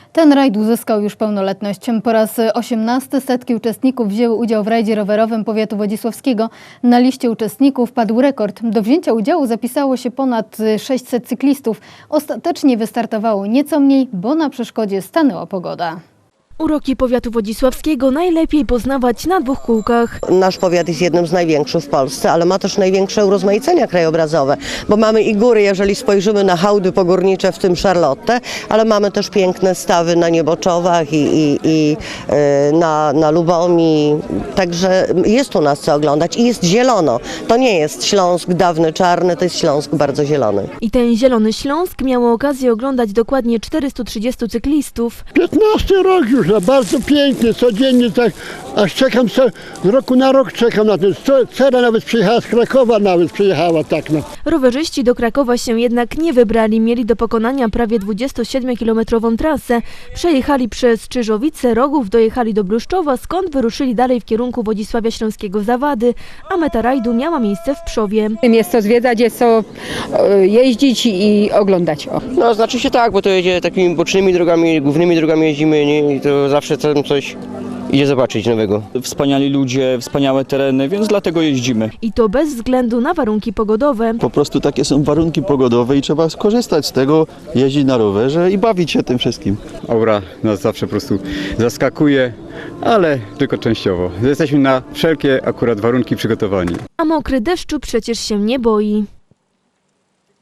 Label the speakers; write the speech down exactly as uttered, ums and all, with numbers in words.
Speaker 1: Ten rajd uzyskał już pełnoletność. Po raz osiemnasty setki uczestników wzięły udział w rajdzie rowerowym powiatu wodzisławskiego. Na liście uczestników padł rekord. Do wzięcia udziału zapisało się ponad sześćset cyklistów. Ostatecznie wystartowało nieco mniej, bo na przeszkodzie stanęła pogoda.
Speaker 2: Uroki powiatu wodzisławskiego najlepiej poznawać na dwóch kółkach.
Speaker 3: Nasz powiat jest jednym z największych w Polsce, ale ma też największe urozmaicenia krajobrazowe, bo mamy i góry, jeżeli spojrzymy na hałdy pogórnicze, w tym Charlotte, ale mamy też piękne stawy na Nieboczowach i, i, i yy, na, na Lubomi, także jest u nas co oglądać i jest zielono. To nie jest Śląsk dawny czarny, to jest Śląsk bardzo zielony.
Speaker 2: I ten zielony Śląsk miało okazję oglądać dokładnie czterystu trzydziestu cyklistów.
Speaker 4: piętnasty rok już, no bardzo pięknie, codziennie tak, aż czekam, co, z roku na rok czekam na ten, Cera nawet przyjechała z Krakowa, nawet przyjechała, tak no.
Speaker 2: Rowerzyści do Krakowa się jednak nie wybrali, mieli do pokonania prawie dwudziestosiedmiokilometrową trasę. Przejechali przez Czyżowice, Rogów, dojechali do Bluszczowa, skąd wyruszyli dalej w kierunku Wodzisławia Śląskiego Zawady, a meta rajdu miała miejsce w Pszowie.
Speaker 5: Jest co zwiedzać, jest co jeździć i oglądać. O.
Speaker 6: No znaczy się tak, bo to jedzie takimi bocznymi drogami, głównymi drogami jeździmy, nie? I to zawsze tam coś idzie zobaczyć nowego.
Speaker 7: Wspaniali ludzie, wspaniałe tereny, więc dlatego jeździmy.
Speaker 2: I to bez względu na warunki pogodowe.
Speaker 8: Po prostu takie są warunki pogodowe i trzeba skorzystać z tego, jeździć na rowerze i bawić się tym wszystkim.
Speaker 9: Aura nas zawsze po prostu zaskakuje, ale tylko częściowo. Jesteśmy na wszelkie akurat warunki przygotowani.
Speaker 2: A mokry deszczu przecież się nie boi.